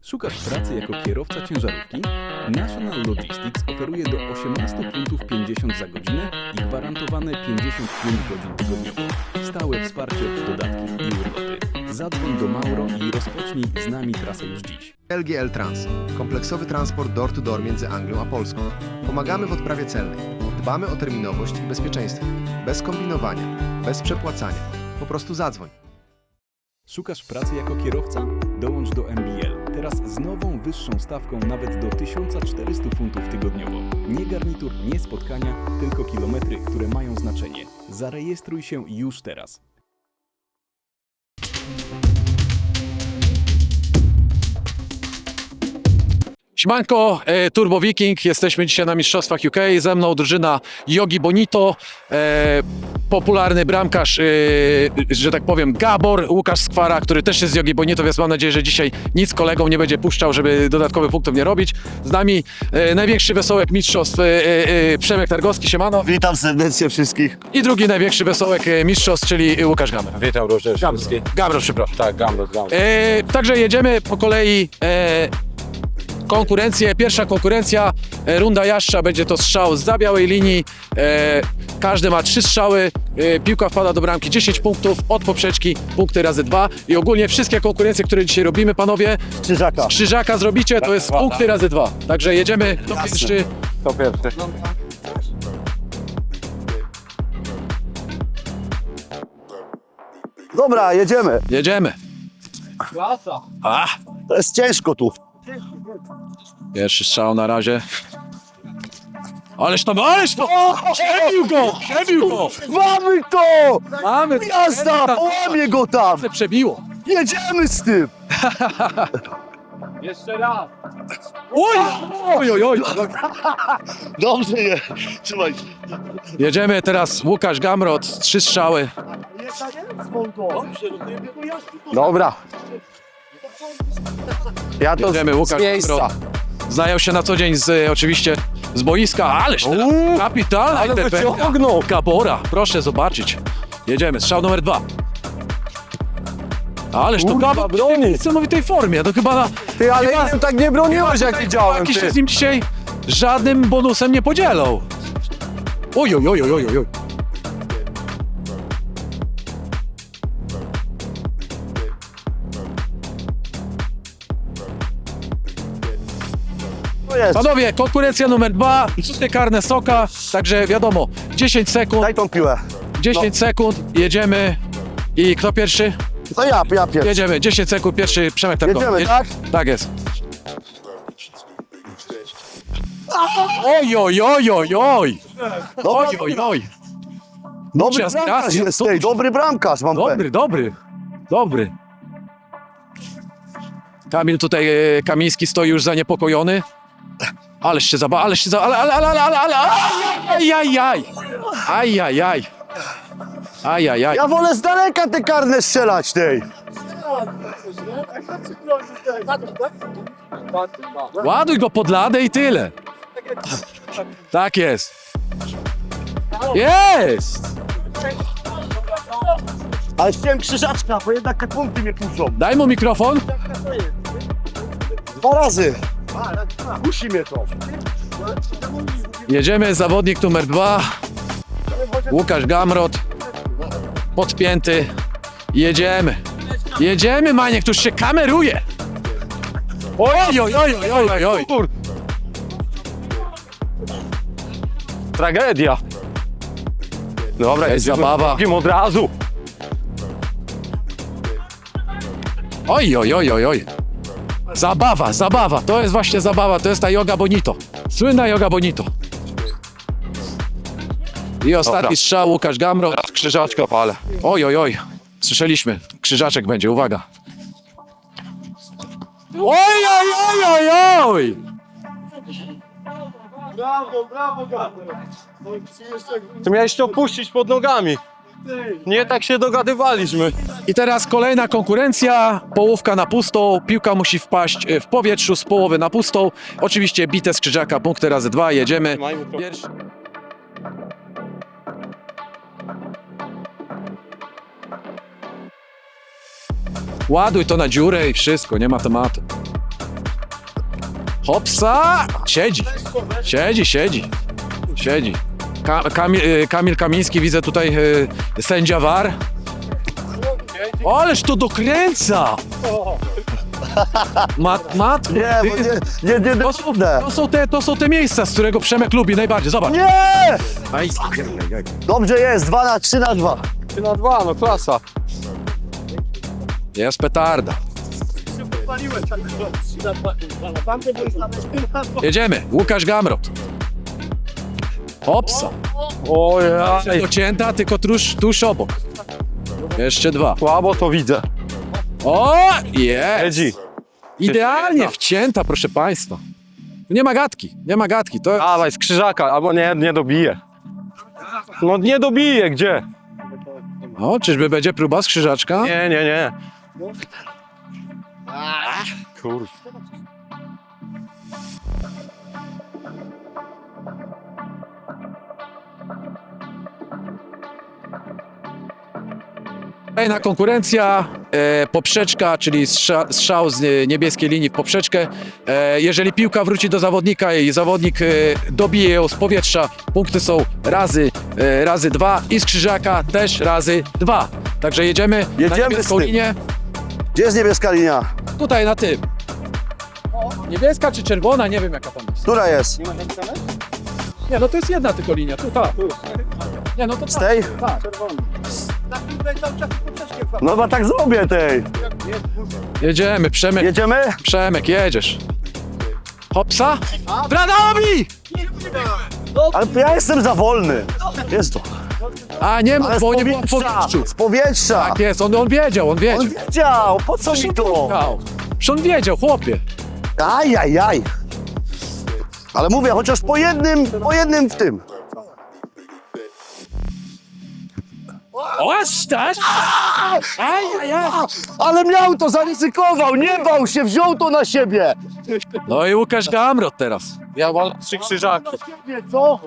Szukasz pracy jako kierowca ciężarówki? National Logistics oferuje do 18 funtów 50 za godzinę i gwarantowane 55 godzin tygodniowo. Stałe wsparcie, dodatki i urlopy. Zadzwoń do Mauro i rozpocznij z nami trasę już dziś. LGL Trans. Kompleksowy transport door-to-door między Anglią a Polską. Pomagamy w odprawie celnej. Dbamy o terminowość i bezpieczeństwo. Bez kombinowania, bez przepłacania. Po prostu zadzwoń. Szukasz pracy jako kierowca? Dołącz do MBL. Teraz z nową, wyższą stawką nawet do 1400 funtów tygodniowo. Nie garnitur, nie spotkania, tylko kilometry, które mają znaczenie. Zarejestruj się już teraz. Siemanko, Turbo Viking, jesteśmy dzisiaj na Mistrzostwach UK, ze mną drużyna Yogi Bonito, popularny bramkarz, że tak powiem, Gabor, Łukasz Skwara, który też jest z Yogi Bonito, więc mam nadzieję, że dzisiaj nic kolegom nie będzie puszczał, żeby dodatkowych punktów nie robić. Z nami największy wesołek mistrzostw, Przemek Targowski, siemano. Witam serdecznie wszystkich. I drugi największy wesołek mistrzostw, czyli Łukasz Gamer. Witam również. Gabro, przepraszam. Tak, Gambros. Także jedziemy po kolei. Konkurencję, pierwsza konkurencja, runda jaszcza, będzie to strzał zza białej linii, każdy ma 3 strzały, piłka wpada do bramki, 10 punktów, od poprzeczki, punkty razy 2 i ogólnie wszystkie konkurencje, które dzisiaj robimy, panowie, Krzyżaka. z krzyżaka zrobicie, to jest punkty razy 2, także jedziemy, kto pierwszy. To pierwszy. Dobra, jedziemy. Jedziemy. To jest ciężko tu. Pierwszy strzał na razie. Ależ to! Przebił go! Mamy to! Mamy! Jazda! Połamie go tam! Przebiło! Jedziemy z tym! Oj! Dobrze je. Trzymaj. Jedziemy teraz Łukasz Gamrot, 3 strzały. Dobra. Ja to Jedziemy, Łukasz z miejsca. Gamrot. Znają się na co dzień oczywiście z boiska, ależ teraz kapitalna ale interwencja wyciągnął. Gabora, proszę zobaczyć. Jedziemy, strzał numer 2. Ależ to Kurwa, Gabor broni. w niesamowitej formie, to chyba Ty, ale innym tak nie broniłeś, jak widziałem. jakiś się Ty. z nim dzisiaj żadnym bonusem nie podzielą. Oj. To jest. Panowie, konkurencja numer 2, rzuty karne Soka, także wiadomo, 10 sekund, Daj tą piłę. 10 sekund, jedziemy i kto pierwszy? To ja pierwszy. Jedziemy, 10 sekund, pierwszy Przemek Targowski. Jedziemy, tak? Tak jest. Oj. Dobry Czas, bramkarz czas, jest, dobrze. tej, dobry bramkarz mam pewien. Dobry. Kamil tutaj, Kamiński stoi już zaniepokojony. Ależ się Ajajaj. Ja wolę z daleka te karne strzelać tej. Ładuj go pod ladę i tyle. Tak jest. Jest! Ale chciałem krzyżaczka, bo jednak te punkty mnie puszczą. Daj mu mikrofon. 2 razy. Musi mnie to. Jedziemy, zawodnik numer 2. Łukasz Gamrot. Podpięty. Jedziemy, Maniek, któż się kameruje. Oj. Tragedia. Dobra, Jest zabawa. od razu. Oj. Zabawa, to jest właśnie zabawa, to jest ta Yoga Bonito. Słynna Yoga Bonito. I ostatni Dobra. strzał, Łukasz Gamrot. Krzyżaczka palę. Oj. Słyszeliśmy, krzyżaczek będzie, uwaga. Oj. Ty miałeś to puścić pod nogami. Nie tak się dogadywaliśmy. I teraz kolejna konkurencja, połówka na pustą, piłka musi wpaść w powietrzu z połowy na pustą. Oczywiście bite z krzyżaka, punkty razy 2, jedziemy. Pierwszy. Ładuj to na dziurę i wszystko, nie ma tematu. Hopsa! Siedzi. Kamil Kamiński, widzę tutaj sędzia VAR. Ależ to dokręca! Matko, Nie, bo nie to są te miejsca, z którego Przemek lubi najbardziej. Zobacz. Nie! Aj, Dobrze jest, 3-2. 3-2, no klasa. jest petarda. Jedziemy. Łukasz Gamrot. Hopsa. O ja. Docięta, tylko tuż obok. Jeszcze 2. Słabo to widzę. O, jest. Edzi. Idealnie wcięta, proszę państwa. Nie ma gadki. To Dawaj, z krzyżaka, albo nie dobije. No nie dobije, gdzie? O, czyżby będzie próba z krzyżaczka? Nie. Kurwa. Kolejna konkurencja, poprzeczka, czyli strzał z niebieskiej linii w poprzeczkę. Jeżeli piłka wróci do zawodnika i zawodnik dobije ją z powietrza, punkty są razy 2 i z krzyżaka też razy 2. Także jedziemy na Jedziemy niebieską z tym. linię. Gdzie jest niebieska linia? Tutaj na tym. Niebieska czy czerwona, nie wiem jaka tam jest. Która jest? Nie, no to jest jedna tylko linia, tu, ta. Nie, no to Z tej? tak. No chyba tak zrobię tej. Jedziemy, Jedziemy? Przemek, jedziesz. Hopsa. Branowi! Ale ja jestem za wolny. Jest to. A nie, Ale z bo nie było w powietrza. powietrzu. Z powietrza. Tak jest, on wiedział. On wiedział, po co mi to? Przecież on wiedział, chłopie. Ajajaj. Ale mówię, chociaż po jednym w tym. Ostaś! Ajajaj! Ale miał to, zaryzykował, nie bał się, wziął to na siebie. No i Łukasz Gamrot teraz. Ja mam 3 krzyżaki. Co?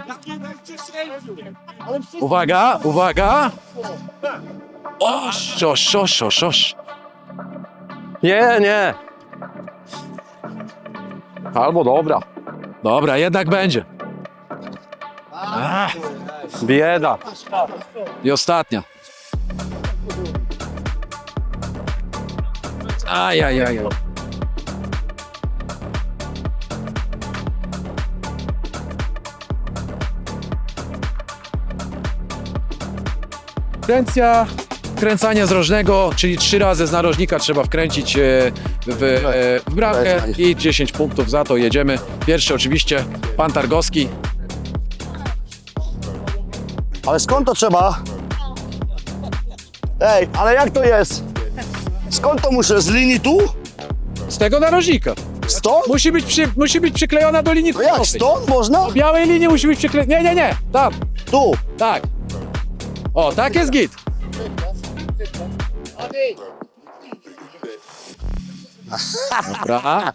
Uwaga. Oś. Nie. Albo dobra. Dobra, jednak będzie. Bieda. I ostatnia. Ajajaj. Kręcania z rożnego, czyli 3 razy z narożnika trzeba wkręcić w bramkę i 10 punktów za to. Jedziemy. Pierwszy oczywiście pan Targowski. Ale skąd to trzeba? Ej, ale jak to jest? Skąd to muszę? Z linii tu? Z tego narożnika. Stąd? Musi być przyklejona do linii No jak, końcowej. stąd można? Do białej linii musi być przyklejona. Nie. Tam. Tu. Tak. O, tak jest git. Dobra.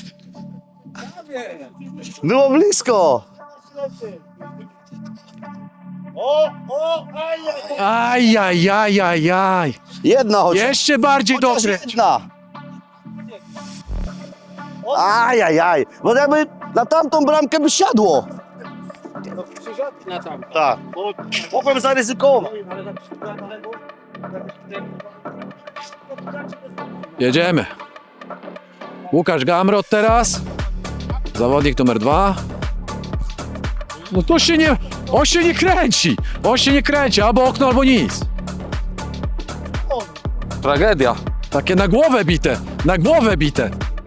Było blisko. Ajajajajaj. Jedna chociaż. Jeszcze bardziej Chociaż dobre. jedna. Ajajaj. Bo jakby na tamtą bramkę by siadło. Tak. Mogłem zaryzykować. Jedziemy. Łukasz Gamrot teraz. Zawodnik numer 2. No to się nie... On się nie kręci. Albo okno, albo nic. Tragedia. Takie na głowę bite.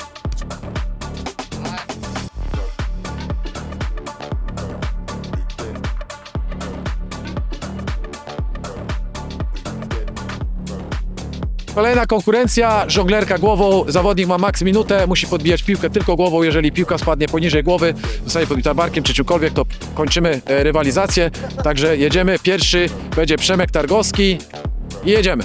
Kolejna konkurencja, żonglerka głową, zawodnik ma maks minutę, musi podbijać piłkę tylko głową, jeżeli piłka spadnie poniżej głowy, zostanie podbita barkiem czy czymkolwiek, to kończymy rywalizację, także jedziemy, pierwszy będzie Przemek Targowski i jedziemy.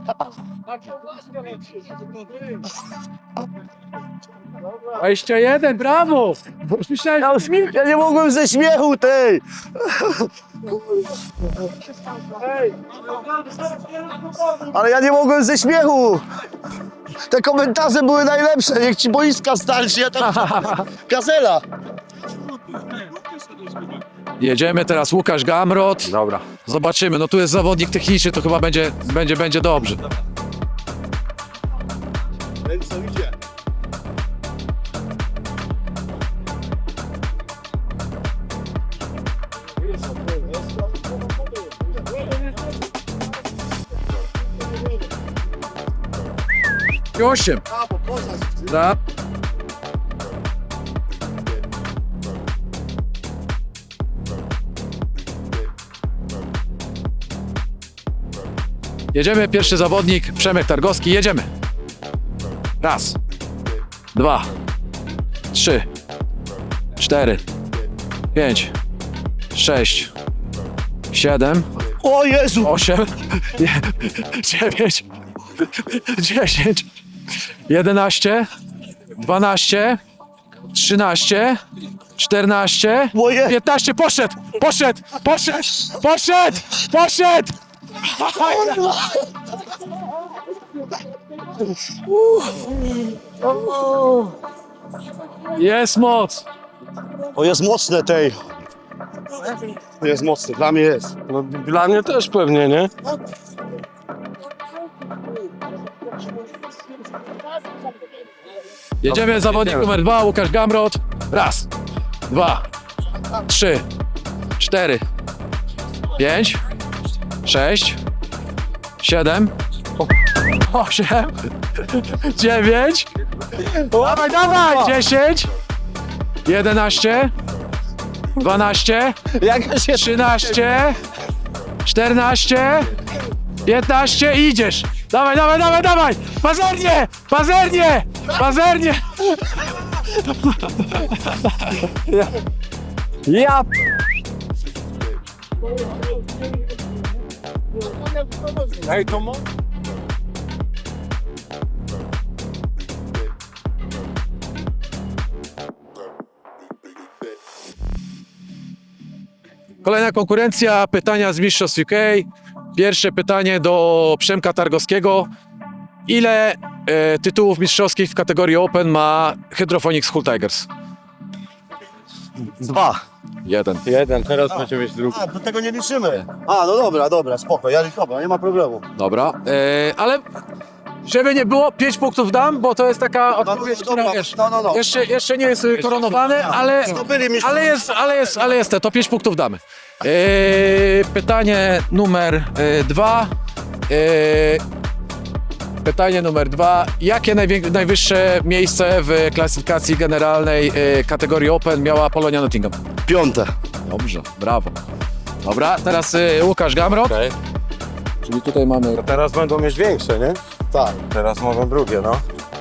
Jeszcze jeden, brawo! Ja nie mogłem ze śmiechu tej. Ale ja nie mogłem ze śmiechu. Te komentarze były najlepsze. Niech ci boiska starczy, ja tam Gazela. Jedziemy teraz Łukasz Gamrot. Dobra. Zobaczymy, no tu jest zawodnik techniczny, to chyba będzie dobrze. I 8. Da. Jedziemy, pierwszy zawodnik, Przemek Targowski, jedziemy. Raz, 2, 3, 4, 5, 6, 7, O Jezu! 8, 9, 10, 11, 12, 13, 14, Moje. 15, poszedł! Jest moc! O, jest mocne tej. Jest mocny, dla mnie jest. No, dla mnie też pewnie, nie? Jedziemy, zawodnik numer 2, Łukasz Gamrot. Raz, 2, 3, 4, 5, 6, 7, 8, 9, dawaj, 10, 11, 12, 13, 14, 15 i idziesz. Dawaj! Pazernie! Ja Ej, to mo... Kolejna konkurencja, pytania z Mistrzostw UK. Pierwsze pytanie do Przemka Targowskiego. Ile tytułów mistrzowskich w kategorii Open ma Hydroponics Hull Tigers? 2. 1. Jeden, teraz będzie mieć drugi. A, do tego nie liczymy. A, no dobra, spoko, dobra, nie ma problemu. Dobra, ale żeby nie było, 5 punktów dam, bo to jest taka odpowiedź, która wiesz, No. jeszcze nie jest koronowany, Zdobyli mi ale jest to 5 punktów damy. Pytanie numer 2. Pytanie numer 2. Jakie najwyższe miejsce w klasyfikacji generalnej kategorii Open miała Polonia Nottingham? 5. Dobrze, brawo. Dobra, teraz Łukasz Gamrot. Okej. Czyli tutaj mamy... Teraz będą mieć większe, nie? Tak. Teraz mogą drugie, no.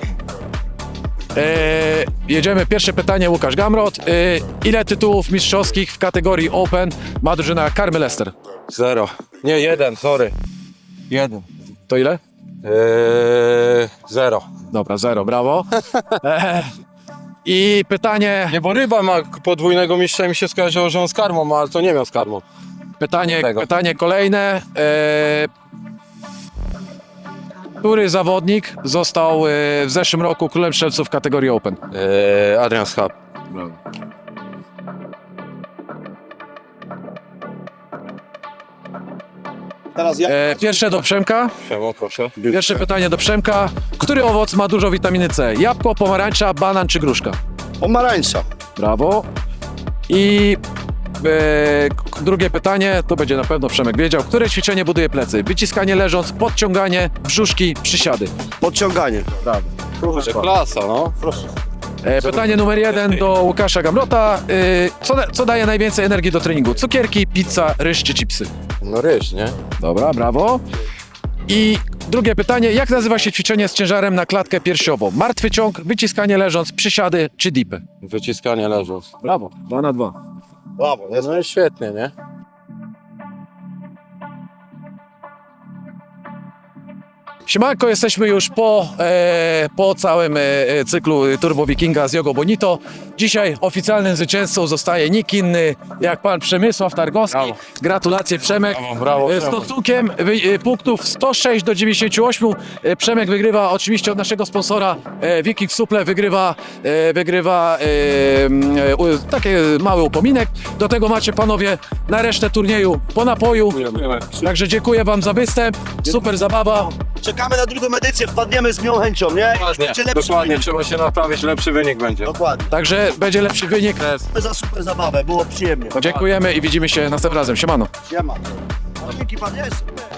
Jedziemy, pierwsze pytanie, Łukasz Gamrot. Ile tytułów mistrzowskich w kategorii Open ma drużyna Karmy Leicester? 0. Nie, 1, sorry. 1. To ile? 0. Dobra, 0, brawo. I pytanie, Nie, bo ryba ma podwójnego mistrza i mi się skojarzyło, że on z karmą ma, ale to nie miał z karmą. pytanie kolejne. Który zawodnik został w zeszłym roku królem strzelców w kategorii Open? Adrian Schab. Teraz ja. Pierwsze do Przemka. Siemo, proszę. Pierwsze pytanie do Przemka. Który owoc ma dużo witaminy C? Jabłko, pomarańcza, banan czy gruszka? Pomarańcza. Brawo. I drugie pytanie, to będzie na pewno Przemek wiedział. Które ćwiczenie buduje plecy? Wyciskanie leżąc, podciąganie, brzuszki, przysiady. Podciąganie. Brawo. Kurczę, klasa, no. Proszę. Pytanie numer 1 do Łukasza Gamrota. Co daje najwięcej energii do treningu? Cukierki, pizza, ryż czy chipsy? No ryż, nie? Dobra, brawo. I drugie pytanie, jak nazywa się ćwiczenie z ciężarem na klatkę piersiową? Martwy ciąg, wyciskanie leżąc, przysiady czy dipy? Wyciskanie leżąc. Brawo, 2 na 2. Brawo, jest. No i świetnie, nie? Siemanko, jesteśmy już po całym cyklu Turbo Wikinga z Jogo Bonito. Dzisiaj oficjalnym zwycięzcą zostaje nikt inny jak pan Przemysław Targowski. Brawo. Gratulacje, Przemek. Brawo, Stosunkiem punktów 106 do 98. Przemek wygrywa oczywiście od naszego sponsora Viking Suple, wygrywa taki mały upominek. Do tego macie panowie na resztę turnieju po napoju. Także dziękuję wam za występ. Super zabawa. Czekamy na drugą edycję, wpadniemy z miłą chęcią, nie? Będzie lepszy Dokładnie, wynik. trzeba się naprawić, lepszy wynik będzie. Dokładnie. Także będzie lepszy wynik. Za super zabawę, było przyjemnie. Dziękujemy i widzimy się następnym razem. Siemano. Siema. Dzięki pan, jest.